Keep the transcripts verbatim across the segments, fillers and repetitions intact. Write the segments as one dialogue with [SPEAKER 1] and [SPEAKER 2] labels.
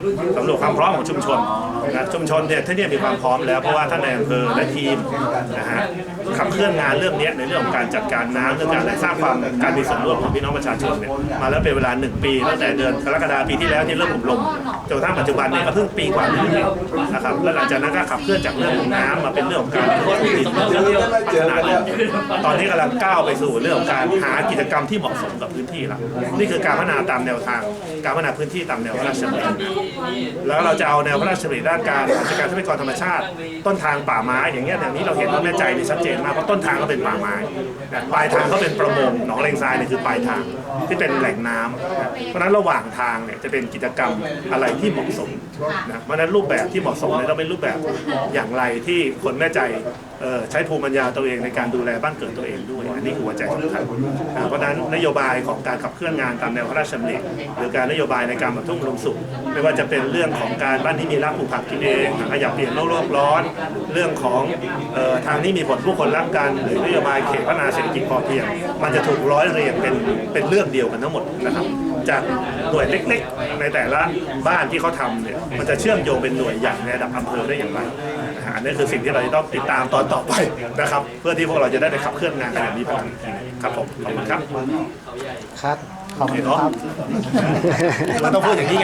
[SPEAKER 1] สำรวจความพร้อมของชุมชนนะชุมชนเนี่ยที่นี่มีความพร้อมแล้วเพราะว่าท่านในอำเภอและทีมนะฮะขับเคลื่อนงานเรื่องนี้ในเรื่องของการจัดการน้ำเรื่องการสร้างความการมีส่วนร่วมของพี่น้องประชาชนเนี่ยมาแล้วเป็นเวลาหนึ่งปีตั้งแต่เดือนกรกฎาคมปีที่แล้วที่เริ่มอบรมจนกระทั่งปัจจุบันเนี่ยก็เพิ่งปีกว่านี้เองนะครับแล้วหลังจากนั้นก็ขับเคลื่อนจากเรื่องของน้ำมาเป็นเรื่องของการพัฒนาตอนนี้กำลังก้าวไปสู่เรื่องของการหากิจกรรมที่เหมาะสมกับพื้นที่ละนี่คือการพัฒนาตามแนวทางการพัฒนาพื้นที่ตามแนวพระราชดำริแล้วเราจะเอาแนวพระราชดำริด้านการจัดการทรัพยากรธรรมชาติต้นทางป่าไม้อย่างเงี้ยอย่างนี้เราเห็นว่าแม่ใจนี่ชัดเจนมากเพราะต้นทางก็เป็นป่าไม้ปลายทางก็เป็นประมงหนองเลงทรายเนี่ยคือปลายทางที่เป็นแหล่งน้ำเพราะฉะนั้นระหว่างทางเนี่ยจะเป็นกิจกรรมอะไรที่เหมาะสมนะเพราะฉะนั้นรูปแบบที่เหมาะสมเนี่ยต้องเป็นรูปแบบอย่างไรที่คนแม่ใจใช้ภูมิปัญญาตัวเองในการดูแลบ้านเกิดตัวเองด้วยอันนี้คือหัวใจสำคัญเพราะฉะนั้นนโยบายของการขับเคลื่อนงานตามแนวพระราชดำริหรือการนโยบายในการบรรทุกลมสุขไม่ว่าจะเป็นเรื่องของการบ้านที่มีรากปลูกผักกินเองขยับเปลี่ยนโลกโลกร้อนเรื่องของทางนี้มีผลผู้คนรักกันหรือนโยบายเขตพัฒนาเศรษฐกิจพอเพียงมันจะถูกร้อยเรียงเป็นเป็นเรื่องเดียวกันทั้งหมดนะครับจากหน่วยเล็กๆในแต่ละบ้านที่เขาทำเนี่ยมันจะเชื่อมโยงเป็นหน่วยใหญ่ในระดับอำเภอได้อย่างไรอันนี้คือสิ่งที่เราจะต้องติดตามตอนต่อไปนะครับเพื่อที่พวกเราจะได้ไปขับเคลื่อนงานกันอย่างมีพลังครับผมขอบคุณครับ
[SPEAKER 2] ครับขอบคุณครับ
[SPEAKER 1] เราต้องพูดอย่างนี้ไง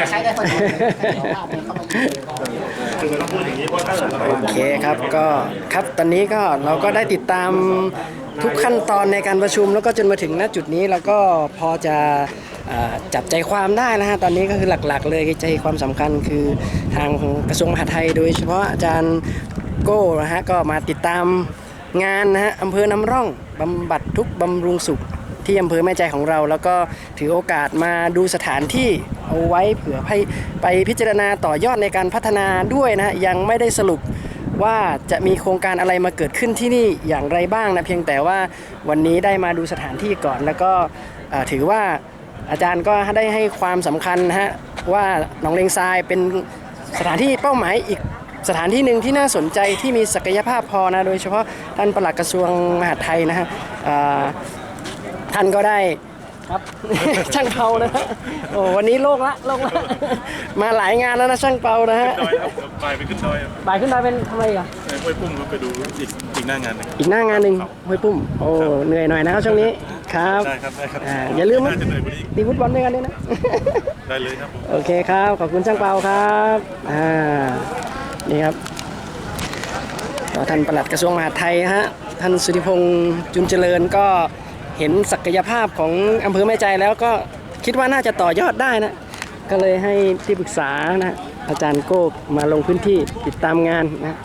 [SPEAKER 1] คือเราต้องพูดอย่างนี้เพราะถ้าเรา
[SPEAKER 2] โอเคครับก็ครับตอนนี้ก็เราก็ได้ติดตามทุกขั้นตอนในการประชุมแล้วก็จนมาถึงณจุดนี้เราก็พอจะจับใจความได้นะฮะตอนนี้ก็คือหลักๆเลยใจความสำคัญคือทางกระทรวงมหาดไทยโดยเฉพาะอาจารย์โก้นะฮะก็มาติดตามงานนะฮะอำเภอนำร่องบำบัดทุกข์บำรุงสุขที่อำเภอแม่ใจของเราแล้วก็ถือโอกาสมาดูสถานที่เอาไว้เผื่อให้ไปพิจารณาต่อยอดในการพัฒนาด้วยนะฮะยังไม่ได้สรุปว่าจะมีโครงการอะไรมาเกิดขึ้นที่นี่อย่างไรบ้างนะเพียงแต่ว่าวันนี้ได้มาดูสถานที่ก่อนแล้วก็ถือว่าอาจารย์ก็ได้ให้ความสำคัญนะฮะว่าหนองเลงทรายเป็นสถานที่เป้าหมายอีกสถานที่หนึ่งที่น่าสนใจที่มีศักยภาพพอนะโดยเฉพาะท่านปลัดกระทรวงมหาดไทยนะฮะท่านก็ได้ครับ ช่างเปานะฮะโอ้วันนี้โลกละโลกละมาหลายงานแล้วนะช่างเปานะฮะ
[SPEAKER 3] บ่ายไปขึ้นดอย
[SPEAKER 2] บ่ายขึ้นดอยเป็นทำไมอ่ะ
[SPEAKER 3] ห้วยปุ้มไปดูอีกอีกหน้างานหนึ่ง
[SPEAKER 2] อีกหน้างานหนึ่งห้วยปุ้มโอ้เหนื่อยหน่อยนะครับช่วงนี้ครับ
[SPEAKER 3] ได้ครับได้ครับ
[SPEAKER 2] อย่าลืมตีฟุตบอลด้วยกันด้วยนะ
[SPEAKER 3] ได้เลยครับ
[SPEAKER 2] โอเคครับขอบคุณช่างเปาครับอ่านี่ครับท่านปลัดกระทรวงมหาดไทยฮะท่านสุธิพงษ์จุนเจริญก็เห็นศักยภาพของอำเภอแม่ใจแล้วก็คิดว่าน่าจะต่อยอดได้นะก็เลยให้ที่ปรึกษานะอาจารย์โก้มาลงพื้นที่ติดตามงานนะ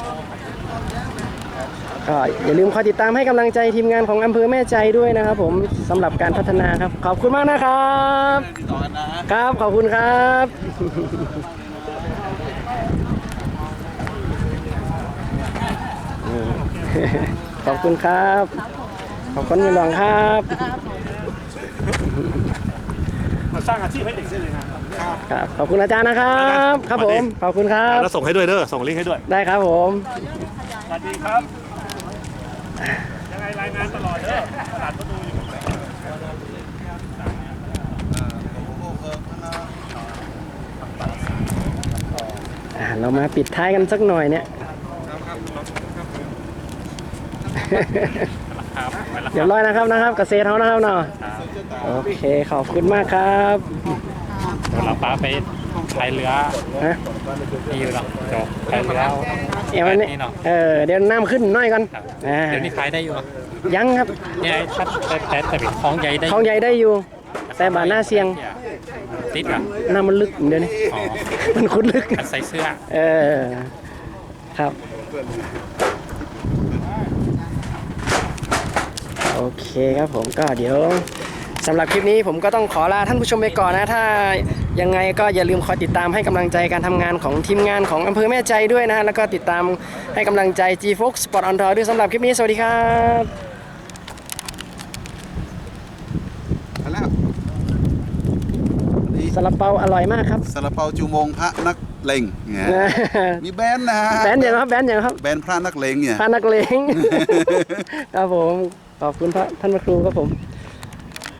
[SPEAKER 2] ก็อย่าลืมคอยติดตามให้กำลังใจทีมงานของอำเภอแม่ใจด้วยนะครับผมสำหรับการพัฒนาครับขอบคุณมากนะครับครับขอบคุณครับขอบคุณครับขอบคุณมีหลวงครับ
[SPEAKER 1] มาสร้างอาชีพให้เด็กได้เลย
[SPEAKER 2] ครับขอบคุณอาจารย์นะครับครับผมขอบคุณครับ
[SPEAKER 1] แล้วส่งให้ด้วยเด้อส่งลิงก์ให้ด้วย
[SPEAKER 2] ได้ครับผม
[SPEAKER 1] สวัสดีครับยังไงรายงานตลอดเด้อตลาดประตูอยู่
[SPEAKER 2] เรามาปิดท้ายกันสักหน่อยเนี่ยเดี๋ยวร้อยนะครับนะครับเกษตรเขานะครับเนาะโอเคขอบคุณมากครับ
[SPEAKER 4] เดี๋ยวเราป้าไปพายเรือ
[SPEAKER 2] ฮะ
[SPEAKER 4] นี่อยู่หรอจบพายเรือ
[SPEAKER 2] เอวันนี้เออเดี๋ยวน้ำขึ้นน้อยก่อน
[SPEAKER 4] เดี๋ยวนี้พายได้อยู่
[SPEAKER 2] ยังครับ
[SPEAKER 4] เนี่ยถ้าแต่แต่แต่เป็นคลองใหญ่ได้
[SPEAKER 2] คลองใหญ่ได้อยู่แต่บาหน้าเสียง
[SPEAKER 4] ติดอ่ะ
[SPEAKER 2] น้ำมันลึกเดี๋ยวนี้มันคุ้นลึก
[SPEAKER 4] ใส่เสื้อ
[SPEAKER 2] เออครับโอเคครับผมก็เดี๋ยวสำหรับคลิปนี้ผมก็ต้องขอลาท่านผู้ชมไปก่อนนะถ้ายังไงก็อย่าลืมคอยติดตามให้กำลังใจการทำงานของทีมงานของอำเภอแม่ใจด้วยนะแล้วก็ติดตามให้กำลังใจ G Fox Sport on Tour ด้วยสำหรับคลิปนี้สวัสดีครับซาลาเปาอร่อยมากครับ
[SPEAKER 5] ซาลาเปาจูมงพระนักเลงเนี่ยมีแบนนะ
[SPEAKER 2] แบนอย่างครับแบนอย่างครับ
[SPEAKER 5] แบนพระนักเลงเนี่ย
[SPEAKER 2] พระนักเลงครับผมขอบคุณพระท่านพระครูครับผม